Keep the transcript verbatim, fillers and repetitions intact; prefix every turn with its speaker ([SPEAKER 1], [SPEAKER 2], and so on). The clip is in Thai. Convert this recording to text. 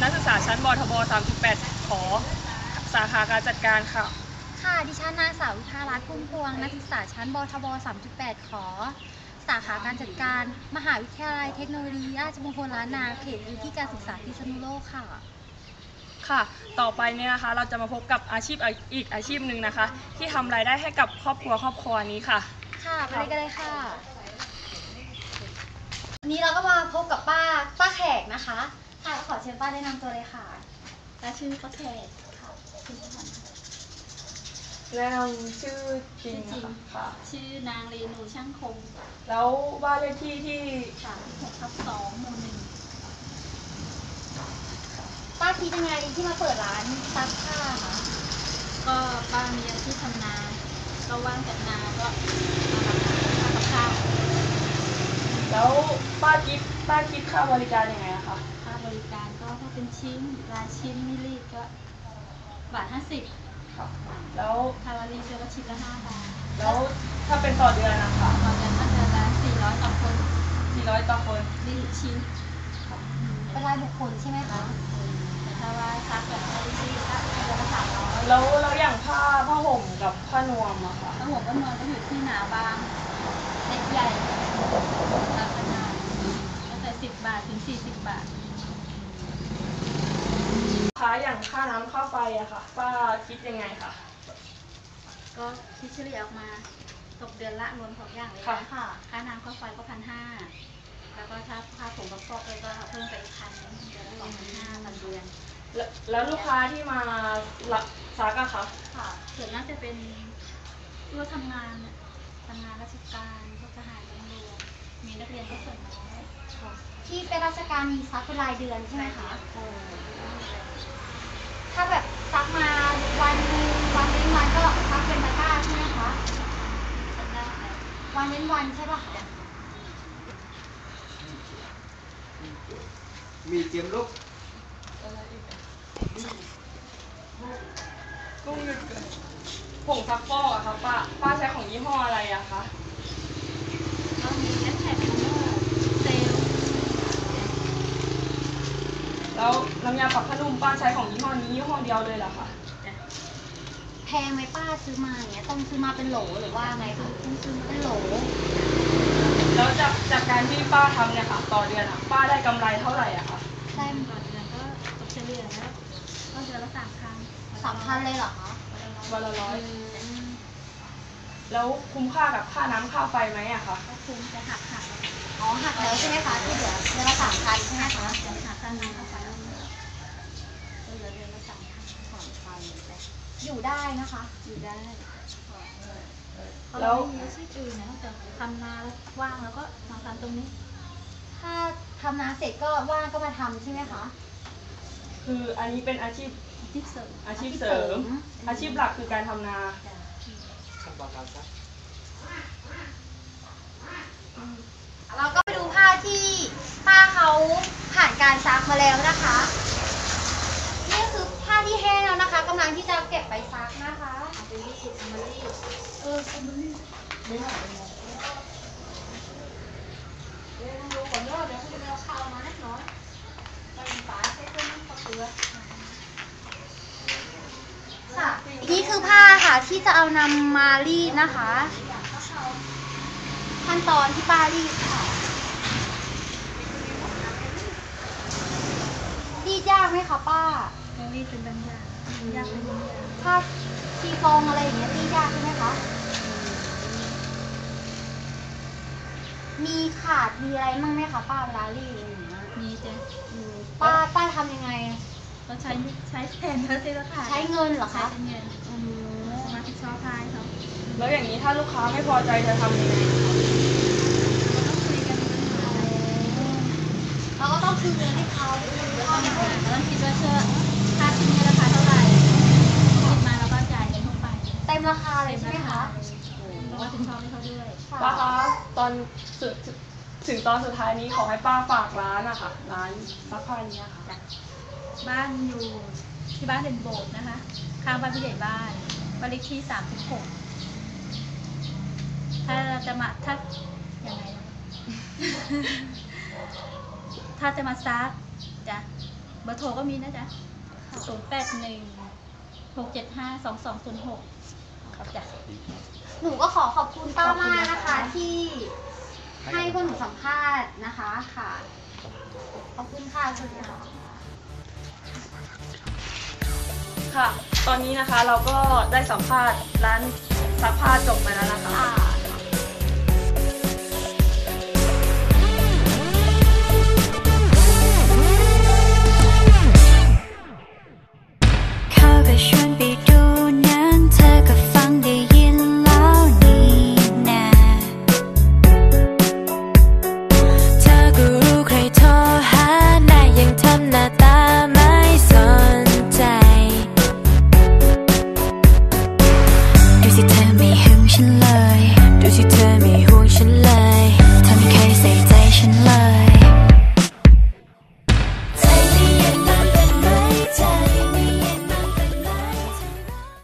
[SPEAKER 1] นักศึกษาชั้นบทบ สามจุดแปด ขอสาขาการจัดการค่ะ
[SPEAKER 2] ค่ะดิฉันนางสาววิภารัตน์พุ่มพวงนักศึกษาชั้นบทบ สามจุดแปด ขอสาขาการจัดการมหาวิทยาลัยเทคโนโลยีราชมงคลล้านนาเขตพื้นที่การศึกษาพิษณุโลกค่ะ
[SPEAKER 1] ค่ะต่อไปเนี่ยนะคะเราจะมาพบกับอาชีพอีกอาชีพหนึ่งนะคะที่ทำรายได้ให้กับครอบครัวครอบครัวนี้ค่ะ
[SPEAKER 2] ค่ะไปเลยกันเลยค่ะวันนี้เราก็มาพบกับป้าป้าแขกนะคะค่ะขอเชิญป้าแนะนำตัวเลยค่ะ
[SPEAKER 3] ป้าชื่อป้าแขกค่ะชื่อพัน
[SPEAKER 1] แนะนำชื่อจริงค่ะ
[SPEAKER 3] ชื่อนางเรนูช่างคง
[SPEAKER 1] แล้วบ้านเลขที่ที่
[SPEAKER 3] สามสิบหกทับสองหมู่หนึ่ง
[SPEAKER 2] ป้าคิดยังไงที่มาเปิดร้านซักผ้าคะ
[SPEAKER 3] ก็ป้ามีอาชีพทำนาก็ว่างจากนาก็มาทำข้าวกับข้าว
[SPEAKER 1] แล้วป้าคิดป้าคิดค่าบริการยังไงอะคะ
[SPEAKER 3] ค่าบริการก็ถ้าเป็นชิ้นรายชิ้นไม่รีดก็บาทห้าสิบ
[SPEAKER 1] ค่ะแล้ว
[SPEAKER 3] ถ้าเรารีดก็ชิ้นละห้าบาท
[SPEAKER 1] แล้วถ้าเป็นต่อเดือนนะคะ
[SPEAKER 3] ต่อเดือนก็เดือนละสี่ร้อยต่อคน
[SPEAKER 1] สี่ร้อยต่อคน
[SPEAKER 3] รีดชิ้น
[SPEAKER 2] เป็นรายบุคคลใช่ไหมคะ
[SPEAKER 3] แต่ถ้าว่าซักแบบไม่ได้รีดก็เดือนละสามร้อย
[SPEAKER 1] แล้วแล้วอย่างผ้าผ้าห่มกับผ้านวมอะค่ะ
[SPEAKER 3] ผ้าห่มก็นวมก็อยู่ที่หนาบางเล็กใหญ่ตามขนาดตั้งแต่สิบบาทถึงสี่สิบบาท
[SPEAKER 1] ค่าอย่างค่าน้ำค่าไฟอะค่ะป้าคิดยังไงคะ
[SPEAKER 3] ก็คิดเฉลี่ยออกมาตกเดือนละรวมสองอย่างเลย
[SPEAKER 1] ค่ะ
[SPEAKER 3] ค่าน้ำค่าไฟก็พันห้าแล้วก็ถ้าค่าผงกับฟอกเลยก็เพิ่มไปอีกพันเดือนละสองพันห้าพันเดือน
[SPEAKER 1] แล้วลูกค้าที่มาซักอะคะ
[SPEAKER 3] ค่ะส่วนมากจะเป็นผู้ทำงานทำงานราชการพวกทหารตำรวจมีนักเรียนก็ส่วนน้อย
[SPEAKER 2] ที่เป็นราชการมีซักเป็นรายเดือนใช่ไหมคะถ้าแบบซักมาวันวันเว้นวันก็ซักเป็นตะกร้าใช่ไหมคะวันเว้นวันใช่ป่ะคะ
[SPEAKER 4] มีเตรียมลูก
[SPEAKER 1] กุ้งหยุดเกินผงซักฟอกอะคะป้าป้าใช้ของยี่ห้ออะไรอะคะ
[SPEAKER 3] ก็มีแอสแท็กเซล
[SPEAKER 1] แล้วน้ำยาปรับผ้านุ่มป้าใช้ของยี่ห้อนี้ยี่ห้อเดียวเลยเหรอคะ
[SPEAKER 2] แพงไหมป้าซื้อมาอย่างเงี้ยต้องซื้อมาเป็นโหลหรือว่าไงคือต้องซื้อเป็นโหล
[SPEAKER 1] แล้วจากจากการที่ป้าทำเนี่ยค่ะต่อเดือนอะป้าได้กำไรเท่าไหร่อะคะ
[SPEAKER 3] ได้ต่อเดือนก็ตกเฉลี่ยแล้วก็เดือนละสามพัน
[SPEAKER 2] สามพันเลยเหรอคะ
[SPEAKER 1] วันละร้อยแล้วคุ้มค่ากับค่าน้ำค่าไฟไหมอะคะ
[SPEAKER 3] ก็คุ้มจะหักหัก
[SPEAKER 2] อ๋อหักแล้วใช่ไหมคะที่เหลือเดือนละสามพันใช่ไหมคะ
[SPEAKER 3] จะหักค่าน้ำค่าไฟแล้วก็เหลือเดือนละสามพันสองพัน
[SPEAKER 2] อยู่ได้นะคะ
[SPEAKER 3] อยู่ได้แล้วมีอาชีพอื่นนะแต่ทำนาว่างแล้วก็มาทำตรงนี้
[SPEAKER 2] ถ้าทำนาเสร็จก็ว่างก็มาทำใช่ไหมคะ
[SPEAKER 1] คืออันนี้เป็นอาชีพ
[SPEAKER 3] อาชีพเสริม
[SPEAKER 1] อาชีพเสริมอาชีพหลักคือการทำนา
[SPEAKER 4] ขั้นตอนการซัก
[SPEAKER 2] เราก็ไปดูผ้าที่ป้าเขาผ่านการซักมาแล้วนะคะนี่คือผ้าที่แห้งแล้วนะคะกำลังที่จะเก็บไปซักนะคะ
[SPEAKER 3] เอาไปรีดเอามารีด
[SPEAKER 2] เออคุณไม่ได้
[SPEAKER 3] เดี๋ยวดูก่อนเนาะเดี๋ยวคุณจะเอาข้าวมาให้น้อยไปฝาใช้เครื่องน้ำข้าวเกลือ
[SPEAKER 2] ค่ะนี่คือผ้าค่ะที่จะเอานำมารีดนะคะขั้นตอนที่ป้ารีดค่ะรีดยากไหมคะป้า
[SPEAKER 3] รีดเป็นบางอย่างยากเป็นบางอย่าง
[SPEAKER 2] ถ้าชีฟองอะไรอย่างเงี้ยรีดยากใช่ไหมคะมีขาดมีอะไรมั่งไหมคะป้าเวลารีดอะไรอย่างเงี้ย
[SPEAKER 3] มีจ้ะ
[SPEAKER 2] ป้าป้าทำยังไง
[SPEAKER 3] เราใช้ใช้แทนเขาสิละค่ะ
[SPEAKER 2] ใช้เงินเหรอคะ
[SPEAKER 3] ใช้เงินสมาชิกชอบทายเขา
[SPEAKER 1] แล้วอย่างนี้ถ้าลูกค้าไม่พอใจจะทำยังไง
[SPEAKER 3] ต้องคุยกัน
[SPEAKER 2] เราก็ต้องคืนเงินให้เขา
[SPEAKER 3] เราต้องคิดว่าเชื่อค่าชิ้นนี้ราคาเท่าไหร่คิดมาแล้วก็จ่ายเงินเข้าไป
[SPEAKER 2] เต็มราคาเลยใช่ไหมคะ
[SPEAKER 3] แล้วก็ถึงชอบให้เขาด้วย
[SPEAKER 1] ป้าคะตอนสุดถึงตอนสุดท้ายนี้ขอให้ป้าฝากร้านอะค่ะร้านซักผ้านี้ค่ะ
[SPEAKER 3] บ้านอยู่ที่บ้านเด่นโบสถ์นะคะข้างบ้านผู้ใหญ่บ้านบ้านเลขที่สามสิบหกถ้าจะมาถ้าอย่างไรถ้าจะมาซักจะเบอร์โทรก็มีนะจ๊ะศูนย์แปดหนึ่งหกเจ็ดห้าสองสองศูนย์หกครับจ้ะ
[SPEAKER 2] หนูก็ขอขอบคุณป้ามากนะคะ ที่ให้พวกหนูสัมภาษณ์นะคะค่ะ ขอบคุณค่ะสวัสดีค่ะ
[SPEAKER 1] ค่ะ ตอนนี้นะคะเราก็ได้สัมภาษณ์ร้านซักผ้าจบไปแล้วนะคะ
[SPEAKER 2] ค่ะ